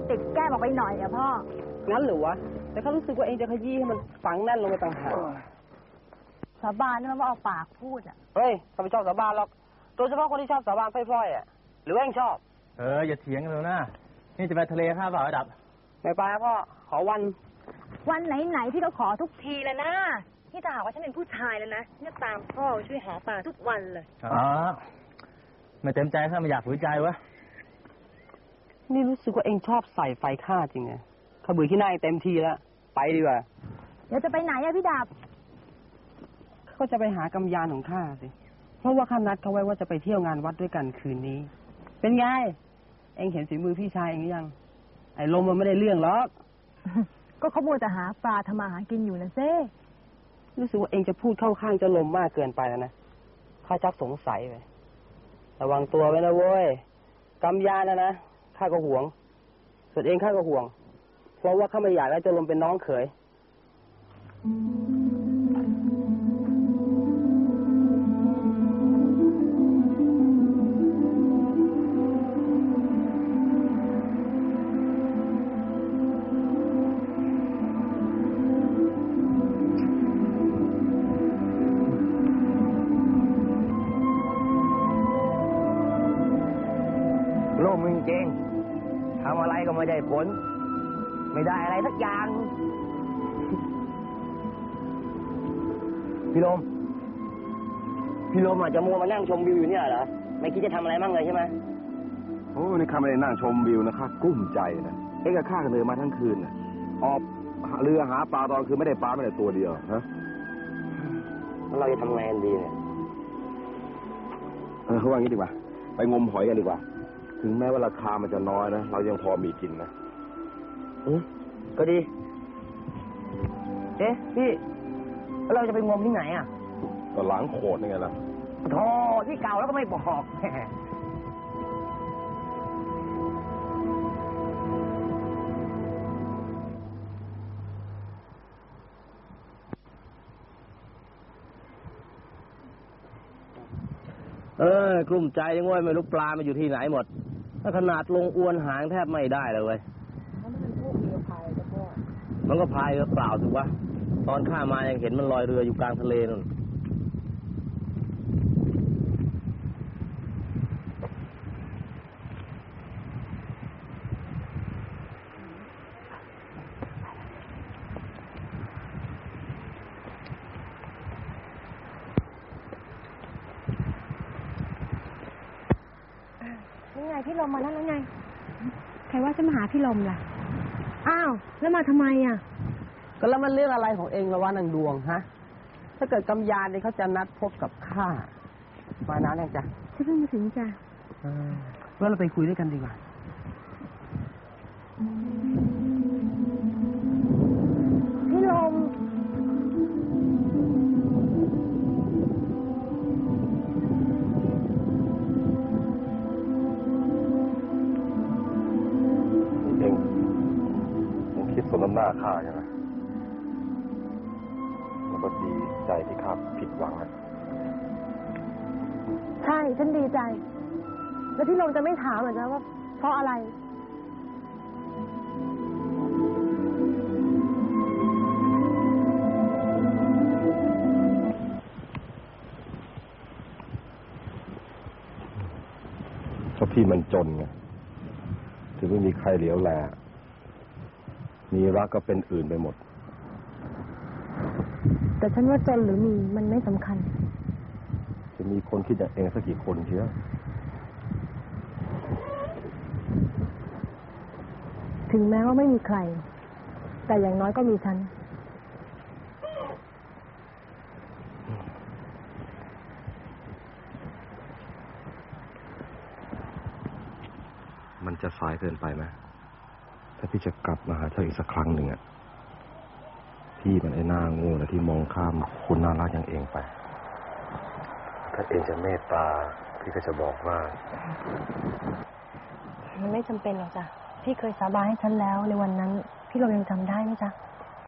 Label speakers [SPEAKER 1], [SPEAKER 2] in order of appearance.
[SPEAKER 1] ติดแก้มออกไปหน่อยอะพ่อ
[SPEAKER 2] งั้นหรือวะแต่เขารู้สึกว่าเองจะขยี้ให้มันฝังแน่นลงไปต่างหาก
[SPEAKER 1] สาบานนี่มันว่าเอาปากพูดอะ
[SPEAKER 2] เฮ้ยข้าไม่ชอบสาบานหรอกโดยเฉพาะคนที่ชอบสาบานพล่อยๆอะหรือว่าเองชอบ
[SPEAKER 3] อย่าเถียงกันเลยนะนี่จะไปทะเลข้าเปล่าดับ
[SPEAKER 2] ไม่ไปพ่อขอวัน
[SPEAKER 1] ไหนพี่ก็ขอทุกทีเลยนะที่ถ้าหากว่าฉันเป็นผู้ชายแล้วนะเนี่ยตามพ่อช่วยหาปลาทุกวันเลย
[SPEAKER 3] ไม่เต็มใจข้าไม่อยากฝืนใจวะ
[SPEAKER 2] นี่รู้สึกว่าเองชอบใส่ไฟข้าจริงไงข้าเบื่อขี้หน้าเต็มทีแล้วไปดีกว่า
[SPEAKER 1] เดี๋ยวจะไปไหนอะพี่ดาบ
[SPEAKER 2] เขาจะไปหากำยานของข้าสิเพราะว่าข้านัดเขาไว้ว่าจะไปเที่ยวงานวัดด้วยกันคืนนี้เป็นไงเองเห็นฝีมือพี่ชายเองหรือยังไอ้ลมมันไม่ได้เรื่องหรอก
[SPEAKER 1] ก็เขามัวแต่หาปลาทำมาหากินอยู่นะเซ่
[SPEAKER 2] รู้สึกว่าเองจะพูดเข้าข้างเจ้าลมมากเกินไปแล้วนะข้าชักสงสัยไประวังตัวไว้นะเว้ยกำยานนะข้าก็ห่วงส่วนเองข้าก็ห่วงเพราะว่าข้าไม่อยากให้เจ้าลมเป็นน้องเขย
[SPEAKER 3] มึงเจงทำอะไรก็ไม่ได้ผลไม่ได้อะไรสักอย่างพี่ลมอาจจะมัวมานั่งชมวิวอยู่เนี่ยเหรอไม่คิดจะทำอะไรมั่งเลยใช่ไหม
[SPEAKER 4] โอ้นี่ข้าไม่ได้นั่งชมวิวนะข้ากลุ้มใจนะเอ็งกับข้ากันเลยมาทั้งคืนนะออกเรือหาปลาตอนคือไม่ได้ปลาไม่ได้ตัวเดียวฮะ
[SPEAKER 3] แล้วเราจะทำไงกันดีเนี่ย
[SPEAKER 4] เขาว่างี้ดีกว่าไปงมหอยกันดีกว่าถึงแม้ว่าราคามันจะน้อยนะเรายังพอมีกินนะ
[SPEAKER 3] ก็ดีพี่แล้วเราจะไปงมที่ไหนอ่ะ
[SPEAKER 4] ก็หลังโขดนี่ไงล่ะ
[SPEAKER 3] โธ่ที่เก่าแล้วก็ไม่บอกกลุ้มใจยังว่าไม่รู้ปลามาอยู่ที่ไหนหมดถ้าขนาดลงอวนหางแทบไม่ได้เลยเว้ยมันก็พายเรือเปล่าถูกปะตอนข้ามายังเห็นมันลอยเรืออยู่กลางทะเลนั่น
[SPEAKER 1] นี่ไงพี่ลมมาแล้วไงใครว่าจะมาหาพี่ลมล่ะอ้าวแล้วมาทำไมอ่ะ
[SPEAKER 2] ก็แล้วมันเรื่องอะไรของเองละวะนางดวงฮะถ้าเกิดกำยานเนี่ยเขาจะนัดพบกับข้ามานานยังจ้ะ
[SPEAKER 1] ฉันเพิ่งมาถึงจ้ะ
[SPEAKER 2] แล้วเราไปคุยด้วยกันดีกว่า
[SPEAKER 1] พี่ลม
[SPEAKER 4] คิดสมน้ำหน้าข้าใช่ไหมแล้วก็ดีใจที่ข้าผิดหวังนะ
[SPEAKER 1] ใช่ฉันดีใจแล้วพี่ลมจะไม่ถามเหรอจ๊ะว่าเพราะอะไร
[SPEAKER 4] เพราะพี่มันจนไงถึงไม่มีใครเหลียวแลมีรักก็เป็นอื่นไปหมด
[SPEAKER 1] แต่ฉันว่าจนหรือมีมันไม่สำคัญ
[SPEAKER 4] จะมีคนคิดอย่างเองสักกี่คนเชียว
[SPEAKER 1] ถึงแม้ว่าไม่มีใครแต่อย่างน้อยก็มีฉัน
[SPEAKER 4] มันจะสายเกินไปไหมถ้าพี่จะกลับมาหาเธออีกสักครั้งหนึ่งอ่ะพี่มันไอ้หน้าโง่นะที่มองข้ามคุณน่ารักอย่างเองไปถ้าเองจะเมตตาพี่ก็จะบอกว่า
[SPEAKER 1] มันไม่จำเป็นหรอกจ้ะพี่เคยสาบานให้ฉันแล้วในวันนั้นพี่ลมยังจำได้ไหมจ๊ะ